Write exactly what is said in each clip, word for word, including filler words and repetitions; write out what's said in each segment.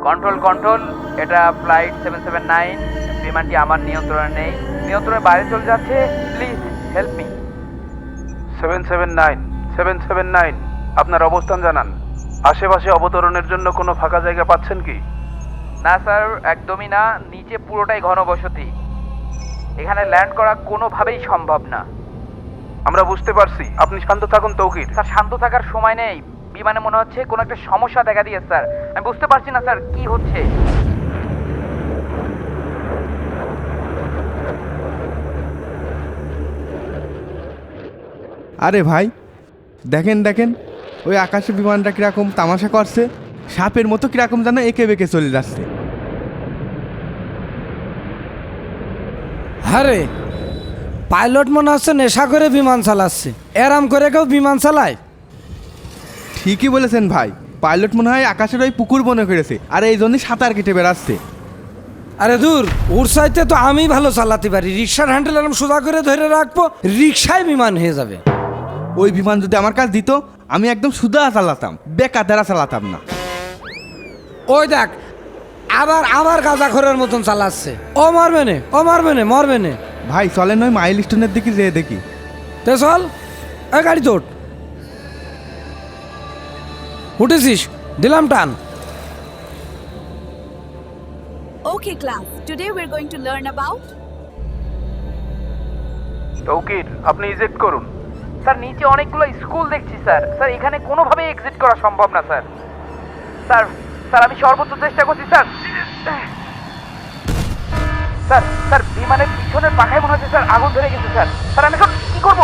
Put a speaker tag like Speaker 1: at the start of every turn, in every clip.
Speaker 1: Control control, এটা flight seven seven nine. বিমানটি আমার নিয়ন্ত্রণে নেই, নিয়ন্ত্রণের বাইরে চলে যাচ্ছে। Please help me.
Speaker 2: Seven seven nine seven seven nine, আপনার অবস্থান জানান। আশেপাশে অবতরণের জন্য কোনো ফাঁকা জায়গা পাচ্ছেন কি?
Speaker 1: না স্যার, একদমই না। নিচে পুরোটাই ঘনবসতি, এখানে ল্যান্ড করা কোনোভাবেই সম্ভব না।
Speaker 2: আমরা বুঝতে পারছি, আপনি শান্ত থাকুন তৌকির।
Speaker 1: স্যার শান্ত থাকার সময় নেই, বিমানে মনে হচ্ছে কোনো একটা সমস্যা দেখা দিয়েছে স্যার। আমি বুঝতে পারছি না স্যার কি হচ্ছে।
Speaker 3: আরে ভাই, দেখেন দেখেন ওই আকাশে বিমানটা কিরকম তামাশা করছে, সাপের মতো কিরকম যেন এঁকে বেঁকে চলে যাচ্ছে।
Speaker 4: আরে পাইলট মনে হচ্ছে নেশা করে বিমান চালাচ্ছে। এরাম করে কেউ বিমান চালায়?
Speaker 3: ঠিকই বলেছেন ভাই, পাইলট মনে হয় আকাশের ওই পুকুর মনে করেছে, আর এই জন্যই সাঁতার কেটে বেড়াচ্ছে।
Speaker 4: আরে দূর, ওর চাইতে তো আমি ভালো চালাতে পারি। রিক্সার হ্যান্ডেল এরম সোজা করে ধরে রাখবো, রিক্সায় বিমান হয়ে যাবে।
Speaker 3: ওই বিমান যদি আমার কাছে দিত, আমি একদম সুদা চালাতাম, বেকাতেরা চালাতাম না।
Speaker 4: ওই দেখ, আবার আবার গাঁজা খোরের মতন চালাচ্ছে। ও মারবে নে, ও মারবে নে, মরবে নে।
Speaker 3: ভাই চলেন ওই মাইল স্টোনের দিকে যেয়ে দেখি।
Speaker 4: তে চল, ওই গাড়ি তোট। উঠেছিস, দিলাম টান।
Speaker 5: Okay, class. Today we're going to learn about
Speaker 2: Tauqir, আপনি ইজেক্ট করুন।
Speaker 1: স্যার নিচে অনেকগুলো স্কুল দেখছি স্যার। স্যার এখানে কোনোভাবেই এক্সিট করা সম্ভব না স্যার। স্যার স্যার আমি সর্বোচ্চ চেষ্টা করছি স্যার। স্যার স্যার বিমানের পিছনের পাখায় মনে হচ্ছে স্যার আগুন ধরে গেছে স্যার। স্যার আমি এখন কি করবো?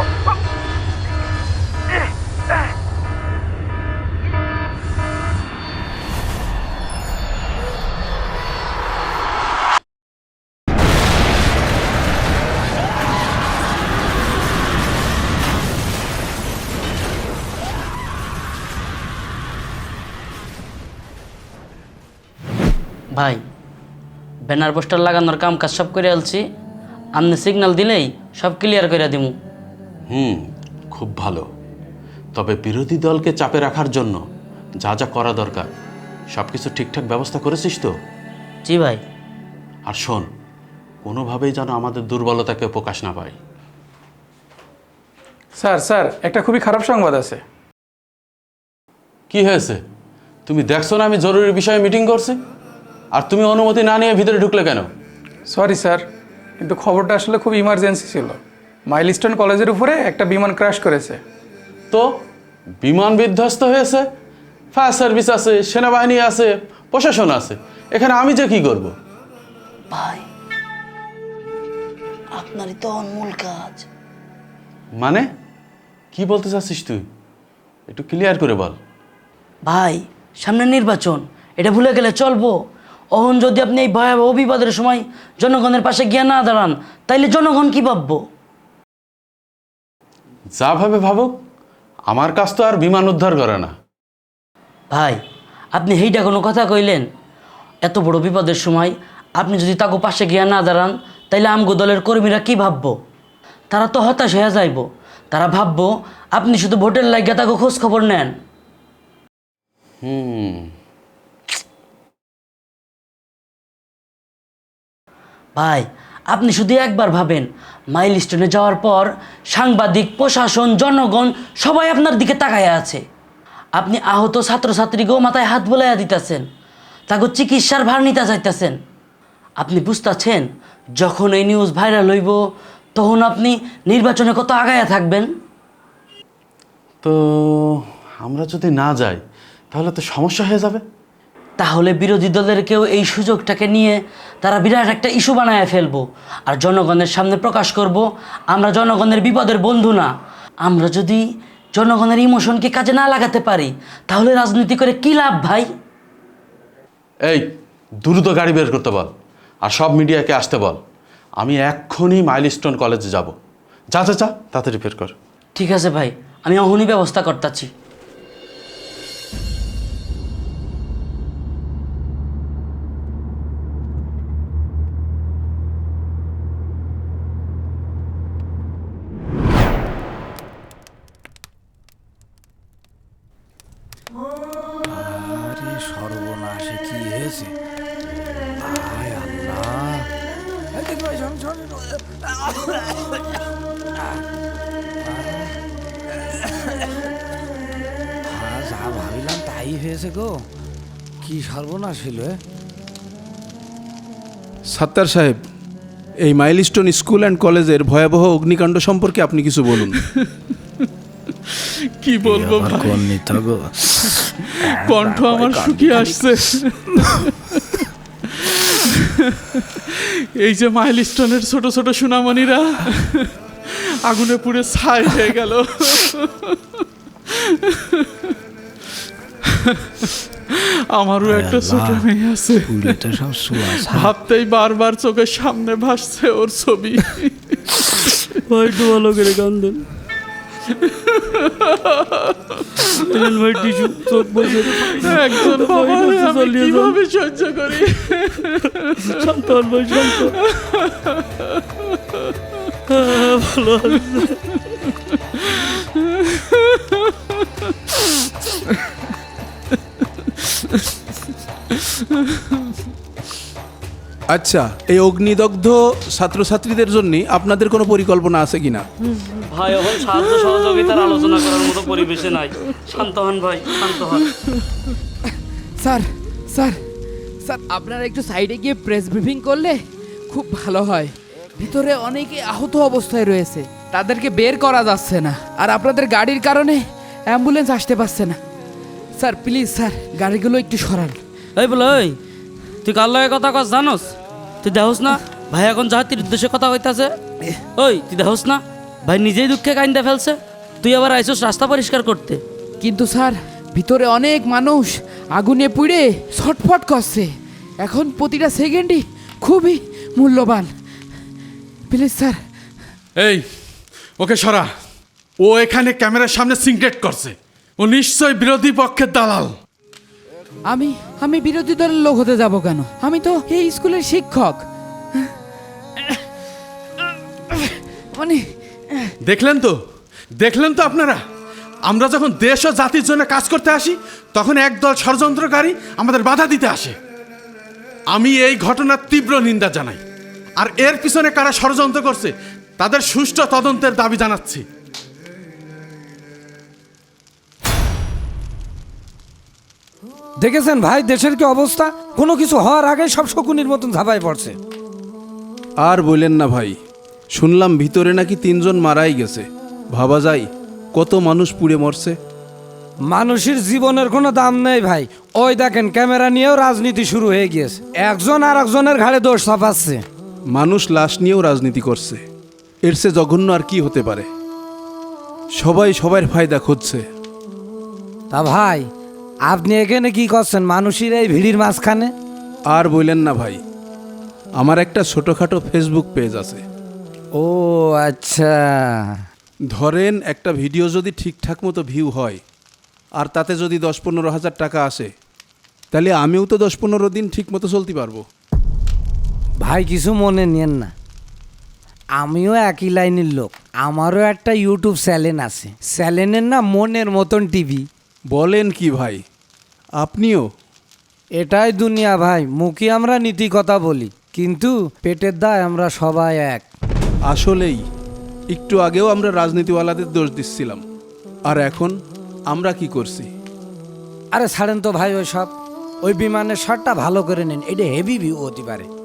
Speaker 6: ভাই, ব্যানার পোস্টার লাগানোর কাম কাজ সব করে আলছি। আপনি সিগন্যাল দিলেই সব ক্লিয়ার করে দিমু।
Speaker 7: হুম, খুব ভালো। তবে বিরোধী দলকে চাপে রাখার জন্য যা যা করা দরকার সব কিছু ঠিকঠাক ব্যবস্থা করেছিস তো?
Speaker 6: জি ভাই।
Speaker 7: আর শোন, কোনোভাবেই যেন আমাদের দুর্বলতাকে প্রকাশ না পায়।
Speaker 8: স্যার স্যার একটা খুবই খারাপ সংবাদ আছে।
Speaker 7: কি হয়েছে? তুমি দেখছো না আমি জরুরি বিষয়ে মিটিং করছি, আর তুমি অনুমতি না নিয়ে ভিতরে ঢুকলে কেন?
Speaker 8: সরি স্যার, কিন্তু খবরটা আসলে খুব ইমার্জেন্সি ছিল। মাইলস্টোন কলেজের উপরে একটা বিমান ক্র্যাশ করেছে।
Speaker 7: তো বিমান বিধ্বস্ত হয়েছে, ফায়ার সার্ভিস আছে, সেনাবাহিনী আছে, প্রশাসন আছে, এখানে আমি যে কি করব?
Speaker 6: ভাই, আপনারই তো অনমূল কাজ।
Speaker 7: মানে কি বলতে চাচ্ছিস তুই? একটু ক্লিয়ার করে বল।
Speaker 6: ভাই, সামনে নির্বাচন, এটা ভুলে গেলে চলবো? অহন যদি আপনি এই ভয়াবহ বিপদের সময় জনগণের পাশে গিয়ে না দাঁড়ান, তাইলে জনগণ কি ভাববো?
Speaker 7: যা ভাবে ভাবুক, আমার কাজ তো আর বিমান উদ্ধার করে না।
Speaker 6: ভাই, আপনি হেইটা কোনো কথা কইলেন? এত বড় বিপদের সময় আপনি যদি তাকে পাশে গিয়ে না দাঁড়ান, তাইলে আমগো দলের কর্মীরা কি ভাববো? তারা তো হতাশ হয়ে যাইব। তারা ভাববো আপনি শুধু ভোটের লাগিয়া তাকে খোঁজ খবর নেন।
Speaker 7: হুম
Speaker 6: ভাই, আপনি শুধু একবার ভাবেন, মাইলস্টোনে যাওয়ার পর সাংবাদিক, প্রশাসন, জনগণ সবাই আপনার দিকে তাকাইয়া আছে। আপনি আহত ছাত্রছাত্রীকেও মাথায় হাত বোলাইয়া দিতেছেন, তাকে চিকিৎসার ভার নিতে চাইতেছেন। আপনি বুঝতেছেন, যখন এই নিউজ ভাইরাল হইব, তখন আপনি নির্বাচনে কত আগায়া থাকবেন।
Speaker 7: তো আমরা যদি না যাই তাহলে তো সমস্যা হয়ে যাবে।
Speaker 6: তাহলে বিরোধী দলের কেউ এই সুযোগটাকে নিয়ে তারা বিরাট একটা ইস্যু বানায় ফেলবো, আর জনগণের সামনে প্রকাশ করব আমরা জনগণের বিপদের বন্ধু না। আমরা যদি জনগণের ইমোশনকে কাজে না লাগাতে পারি, তাহলে রাজনীতি করে কি লাভ ভাই?
Speaker 7: এই দ্রুত গাড়ি বের করতে বল, আর সব মিডিয়াকে আসতে বল। আমি এক্ষুনি মাইলস্টোন কলেজে যাব। যা যা যা, তাড়াতাড়ি বের কর।
Speaker 6: ঠিক আছে ভাই, আমি এখনই ব্যবস্থা করতেছি।
Speaker 4: আরে সর্বনাশ, সর্বনাশে কি হয়েছে? আয় আল্লাহ! এই দেখ ভাই, শোন, শোন, শোন। হ্যাঁ, যা ভাবিলাম তাই হয়েছে গো। কি সর্বনাশ হইল এ?
Speaker 2: সাত্তার সাহেব, এই মাইলস্টোন স্কুল অ্যান্ড কলেজের ভয়াবহ অগ্নিকাণ্ড সম্পর্কে আপনি কিছু বলুন।
Speaker 7: কি বলবো
Speaker 4: আবার
Speaker 7: ভাই,
Speaker 4: কোন নিতে গো?
Speaker 7: কণ্ঠ আমার শুকিয়ে আসছে। এই যে মাইলস্টোনের ছোট ছোট সুনামণিরা আগুনে পুড়ে ছাই হয়ে গেল। আমারও একটা ছোট মেয়ে আছে,
Speaker 4: পুড়ে তো সব সুয়াস।
Speaker 7: ভাবতেই বারবার চোখের সামনে ভাসছে ওর ছবি।
Speaker 6: ভাই একটু ভালো করে কান্দেন ভাই, টিস্যু চোখ বসে
Speaker 7: একজন বাবা হয়ে আমি কিভাবে সহ্য করি?
Speaker 6: শান্ত হন ভাই, শান্ত। হ্যাঁ, ভালো আছে।
Speaker 2: আচ্ছা, এই অগ্নিদগ্ধ ছাত্রছাত্রীদের জন্য আপনাদের কোনো পরিকল্পনা আছে কিনা?
Speaker 6: ভাই এখন সাহায্য সহযোগিতার আলোচনা করার মতো পরিবেশে নাই। শান্ত হন ভাই, শান্ত হন।
Speaker 1: স্যার স্যার স্যার আপনারা একটু সাইডে গিয়ে প্রেস ব্রিফিং করলে খুব ভালো হয়। ভিতরে অনেকে আহত অবস্থায় রয়েছে, তাদেরকে বের করা যাচ্ছে না, আর আপনাদের গাড়ির কারণে অ্যাম্বুলেন্স আসতে পারছে না। স্যার প্লিজ স্যার, গাড়িগুলো একটু সরান।
Speaker 6: এই বলে, ওই তুই কার লগে কথা কস জানোস? তুই দেখোস না ভাই এখন জাতির উদ্দেশ্যে কথা কইতাছে? ওই তুই দেখোস না ভাই নিজেই দুঃখে কাইন্দা ফেলছে, তুই আবার আইসোস রাস্তা পরিষ্কার করতে?
Speaker 1: কিন্তু স্যার ভিতরে অনেক মানুষ আগুনে পুড়ে ছটফট করছে, এখন প্রতিটা সেকেন্ডই খুবই মূল্যবান। Please sir.
Speaker 7: এই ওকে সরা, ও এখানে ক্যামেরার সামনে সিনক্রেট করছে, ও নিশ্চয় বিরোধী পক্ষের দালাল।
Speaker 1: আমি আমি বিরোধী দলের লোক হতে যাব কেন? আমি তো এই স্কুলের শিক্ষক। মানে
Speaker 7: দেখলেন তো, দেখলেন তো আপনারা, আমরা যখন দেশ ও জাতির জন্য কাজ করতে আসি তখন একদল ষড়যন্ত্রকারী আমাদের বাধা দিতে আসে। আমি এই ঘটনার তীব্র নিন্দা জানাই, আর এর পিছনে কারা ষড়যন্ত্র করছে তাদের সুষ্ঠু তদন্তের দাবি জানাচ্ছি।
Speaker 4: দেখেছেন ভাই দেশের কি অবস্থা? কোনো কিছু হওয়ার আগে সব শকুনির মতন ঝাঁপায় পড়ছে।
Speaker 2: আর বললেন না ভাই, শুনলাম ভিতরে নাকি তিনজন মারাই গেছে। ভাবা যায় কত মানুষ পুড়ে মরছে।
Speaker 4: মানুষের জীবনের কোনো দাম নেই ভাই। ওই দেখেন ক্যামেরা নিয়েও রাজনীতি শুরু হয়ে গিয়েছে, একজন আর একজনের ঘাড়ে দোষ চাপাচ্ছে।
Speaker 2: মানুষ লাশ নিয়েও রাজনীতি করছে, এর চেয়ে জঘন্য আর কি হতে পারে? সবাই সবার ফায়দা খুঁজছে।
Speaker 4: তা ভাই আপনি এখানে কি করছেন মানুষের এই ভিড়ির মাঝখানে?
Speaker 2: আর বললেন না ভাই, আমার একটা ছোটোখাটো ফেসবুক পেজ আছে।
Speaker 4: ও আচ্ছা।
Speaker 2: ধরেন একটা ভিডিও যদি ঠিকঠাক মতো ভিউ হয় আর তাতে যদি দশ পনেরো হাজার টাকা আসে, তাহলে আমিও তো দশ পনেরো দিন ঠিক মতো চলতে পারবো।
Speaker 4: ভাই কিছু মনে নিয়েন না, আমিও একই লাইনের লোক। আমারও একটা ইউটিউব চ্যানেল আছে, চ্যানেলের না মনের মতন টিভি।
Speaker 2: বলেন কি ভাই, আপনিও?
Speaker 4: এটাই দুনিয়া ভাই, মুখে আমরা নীতি কথা বলি কিন্তু পেটের দায় আমরা সবাই এক।
Speaker 2: আসলেই একটু আগেও আমরা রাজনীতিওয়ালাদের দোষ দিচ্ছিলাম, আর এখন আমরা কি করছি?
Speaker 4: আরে ছাড়েন তো ভাই ওই সব, ওই বিমানের শটটা ভালো করে নিন, এটা হেভি ভিউ হতে পারে।